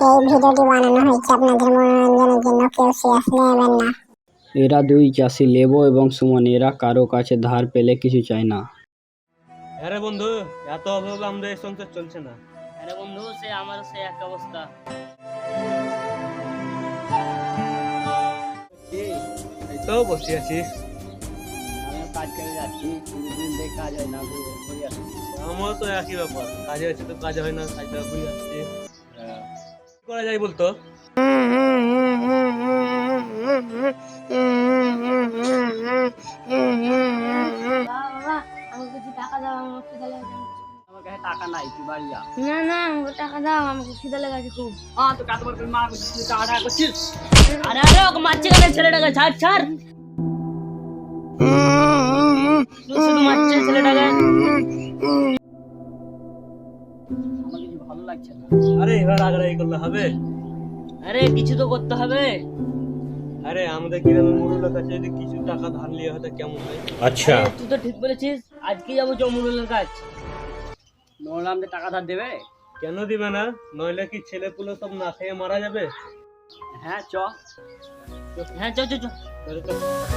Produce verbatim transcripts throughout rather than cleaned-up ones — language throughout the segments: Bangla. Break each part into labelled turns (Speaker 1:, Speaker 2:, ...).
Speaker 1: এই ভিডিওটি বানানো হয়েছে আপনাদের মনোরঞ্জনের জন্য, কেউ সিরিয়াস নেবেন না।
Speaker 2: এরা দুই চাষি লেবু এবং সুমন, এরা কারো কাছে ধার পেলে কিছু চায় না।
Speaker 3: আরে বন্ধু, এত অভাবে আমাদের এই সংসার চলছে না।
Speaker 4: আরে বন্ধু, সে আমার সে এক অবস্থা।
Speaker 3: এই তো বসে আছি।
Speaker 2: আমি কাজ করে যাচ্ছি, দিন থেকে কাজ হয় না, ঘুরে আসছি।
Speaker 3: আমারও তো একই ব্যাপার, কাজে আছে তো কাজ হয় না, কাজটা ঘুরে আসছি। কি করা যায় বলতো?
Speaker 5: বাবা, আমাকে কিছু টাকা দাও, আমার খিদে লেগেছে।
Speaker 2: আমার কাছে টাকা নাই, তুই বাড়ি যা।
Speaker 5: না না, আমাকে টাকা দাও, আমাকে খিদে লেগেছে খুব।
Speaker 2: হ্যাঁ, তো কাজ করে মা টাকা টাকা করছিস।
Speaker 4: আরে আরে ওকে মারছে কেন ছেলেটাকে? ছাড় ছাড়, শুধু শুধু মারছে ছেলেটাকে।
Speaker 2: আমার কিছু ভালো লাগছে না।
Speaker 3: আরে এবার আগ্রাহী করলে হবে?
Speaker 4: আরে কিছু তো করতে হবে।
Speaker 3: আরে আমাদের গ্রামের মুরুলের কাছে যদি কিছু টাকা ধার নিয়ে হয়তো কেমন হয়?
Speaker 4: আচ্ছা, তুই তো ঠিক বলেছিস, আজকে যাবো জমুরুলের কাজ।
Speaker 2: নোর আমাদের টাকা ধার দেবে?
Speaker 3: কেন দিবে না? নইলে কি ছেলে পুলে সব না খেয়ে মারা যাবে?
Speaker 2: হ্যাঁ, চ।
Speaker 4: হ্যাঁ, চল চল চল।
Speaker 3: তাহলে তো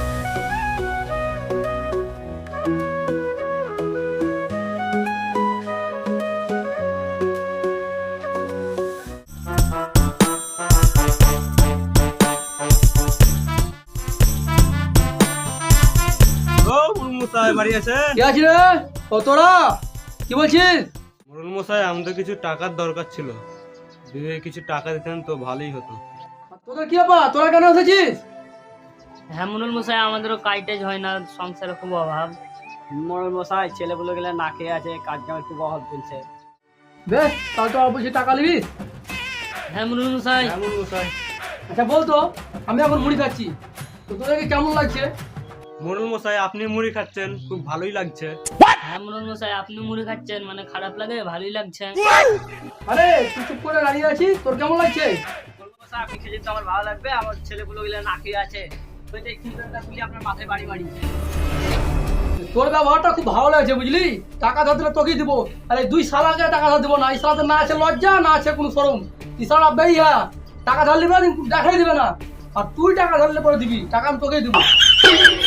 Speaker 3: ও মুরুল মশাই বাড়ি আছে?
Speaker 6: কে আছিস রে? ও তোরা কি বলছিস?
Speaker 3: মুরুল মশাই, আমাদের কিছু টাকার দরকার ছিল, যদি কিছু টাকা দিতেন তো ভালোই হতো।
Speaker 6: তোদের কি ব্যাপার? তোরা কেন এসেছিস?
Speaker 4: হ্যাঁ মনুল মশাই, আমাদেরও কাজ টাজ হয় না, সংসারে খুব অভাব।
Speaker 2: মরণ মশাই, ছেলেগুলো গেলে না খেয়ে আছে, কাজ কামের খুব অভাব চলছে।
Speaker 6: বেশ, তাহলে তো অবশ্যই টাকা নিবি।
Speaker 4: হ্যাঁ মনুল মশাই।
Speaker 3: হ্যাঁ মুরুল মশাই।
Speaker 6: আচ্ছা বলতো, আমি এখন মুড়ি খাচ্ছি, তো তোদেরকে কেমন লাগছে?
Speaker 3: মুরুল মশাই, আপনি মুড়ি খাচ্ছেন, খুব ভালোই লাগছে।
Speaker 4: হ্যাঁ মনুল মশাই, আপনি মুড়ি খাচ্ছেন মানে খারাপ লাগে? ভালোই লাগছে।
Speaker 6: আরে তুই চুপ করে দাঁড়িয়ে আছিস, তোর কেমন লাগছে?
Speaker 2: মরণ মশাই, আপনি খেলে তো আমার ভালো লাগবে, আমার ছেলেগুলো গেলে না খেয়ে আছে, তো এই চিন্তাটা গুলি আপনার মাথায় বাড়ি বাড়ি।
Speaker 6: তোর ব্যবহারটা খুব ভালো লাগছে, বুঝলি? টাকা ধার দিলে তোকেই দিব, আরে দুই সালাকে টাকা ধার দিব না, এই সালাতে না আছে লজ্জা, না আছে কোনো শরম। এই সালা বেইয়া টাকা ধার নিবে, দেখাই দিবে না, আর তুই টাকা ধারলে পরে দিবি, টাকা আমি তোকেই দিব।